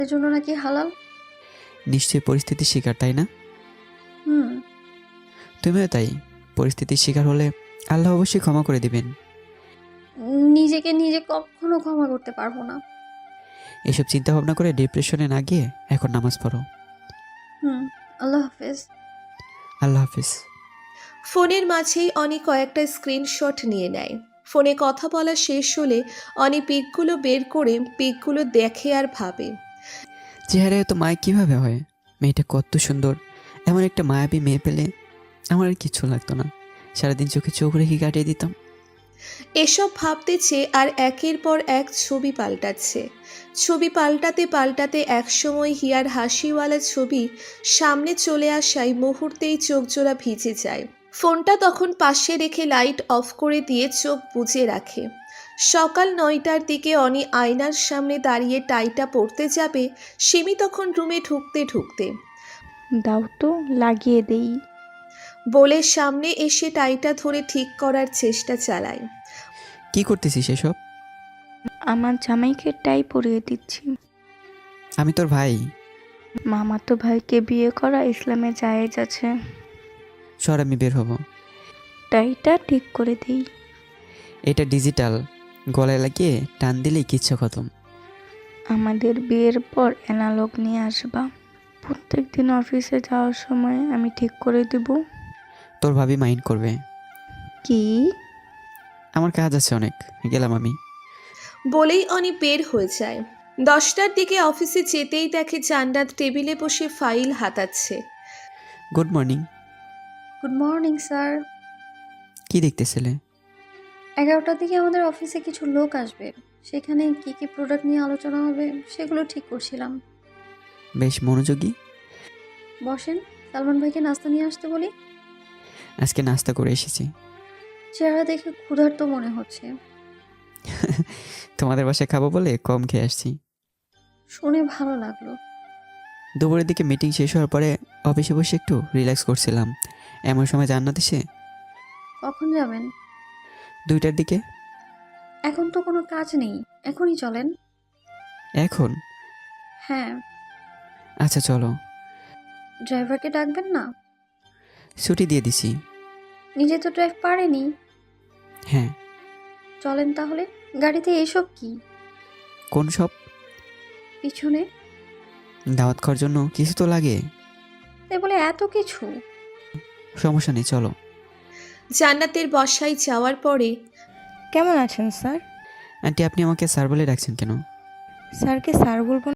এর জন্য নাকি হালাল। নিশ্চয়ই পরিস্থিতির শিকার, তাই না? হুম। তুমিও তাই। পরিস্থিতির শিকার হলে আল্লাহ অবশ্যই ক্ষমা করে দিবেন। নিজেকে নিজে কখনো ক্ষমা করতে পারবো না। এসব চিন্তা ভাবনা করে ডিপ্রেশনে না গিয়ে এখন নামাজ পড়ো। হুম। আল্লাহ হাফেজ। আল্লাহ হাফিজ। ফোনের মাঝেই অনি কয়েকটা স্ক্রিনশট নিয়ে নেয়। ফোনে কথা বলা শেষ হলে অনি পিকগুলো বের করে পিকগুলো দেখে আর ভাবে, চেহারায় তো মায় কিভাবে হয়? মেয়েটা কত সুন্দর। এমন একটা মায়াবী মেয়ে পেলে আমার আর কিচ্ছু লাগতো না। সারাদিন চোখে চোখ রেখে কাটিয়ে দিতাম। এসব ভাবতেছে আর একের পর এক ছবি পাল্টাচ্ছে। ছবি পাল্টাতে পাল্টাতে একসময় হিয়ার হাসিওয়ালা ছবি সামনে চলে আসায় মুহূর্তেই চোখজোড়া ভিজে যায়। ফোনটা তখন পাশে রেখে লাইট অফ করে দিয়ে চোখ বুজে রাখে। সকাল ৯টার দিকে অনি আয়নার সামনে দাঁড়িয়ে টাইটা পরতে যাবে, সিমি তখন রুমে ঢুকতে ঢুকতে দাও তো লাগিয়ে দেই। বলে সামনে এসে টাইটা ধরে ঠিক করার চেষ্টা চালায়। কি করতেছিস এসব? আমার জামাইকে টাই পরিয়ে দিচ্ছি। আমি তোর ভাই। মামাতো ভাইকে বিয়ে করা ইসলামে জায়েজ আছে। সর, আমি বের হব। টাইটা ঠিক করে দেই। এটা ডিজিটাল, গলায় লাগিয়ে টান দিলেই কিচ্ছু খতম। আমাদের বিয়ের পর অ্যানালগ নিয়ে আসবা। প্রত্যেক দিন অফিসে যাওয়ার সময় আমি ঠিক করে দেব। তোর ভাবি মাইন্ড করবে। কি? আমার কাজ আছে অনেক, গেলাম আমি। বলেই অনি বের হয়ে যায়। 10টার দিকে অফিসে যেতেই দেখে জান্নাত টেবিলে বসে ফাইল হাতাচ্ছে। Good morning. Good morning sir. কি দেখতেছিলে? 11টার দিকে আমাদের অফিসে কিছু লোক আসবে। সেখানে কি কি প্রোডাক্ট নিয়ে আলোচনা হবে সেগুলো ঠিক করছিলাম। বেশ মনোযোগী। বসেন, সালমান ভাইকে নাস্তা নিয়ে আসতে বলি। আজকে নাস্তা করে এসেছি। চেহারা দেখে ক্ষুধার্ত মনে হচ্ছে। তোমাদের বাসায় খাবো বলে কম খেয়ে আসছি। শুনে ভালো লাগলো। দুপুরের দিকে মিটিং শেষ হওয়ার পরে অফিসে বসে একটু রিল্যাক্স করছিলাম, এমন সময় জান্নাত এসে। কখন যাবেন? 2টার দিকে। এখন তো কোনো কাজ নেই, এখনই চলেন। এখন? হ্যাঁ। আচ্ছা চলো। ড্রাইভারকে ডাকবেন না? ছুটি দিয়ে দিছি। নিজে তো ড্রাইভ পারেনি। হ্যাঁ। চলেন তাহলে। গাড়িতে এসব কি? কোন সব? পিছনে। দাওয়াত খাওয়ার জন্য কিছু তো লাগে। তাই বলে এত কিছু? সমস্যা নেই, চলো। জান্নাতের বসায় যাওয়ার পরে কেমন আছেন স্যার? আন্টি, আপনি আমাকে স্যার বলে ডাকছেন কেন? স্যারকে স্যার বলবো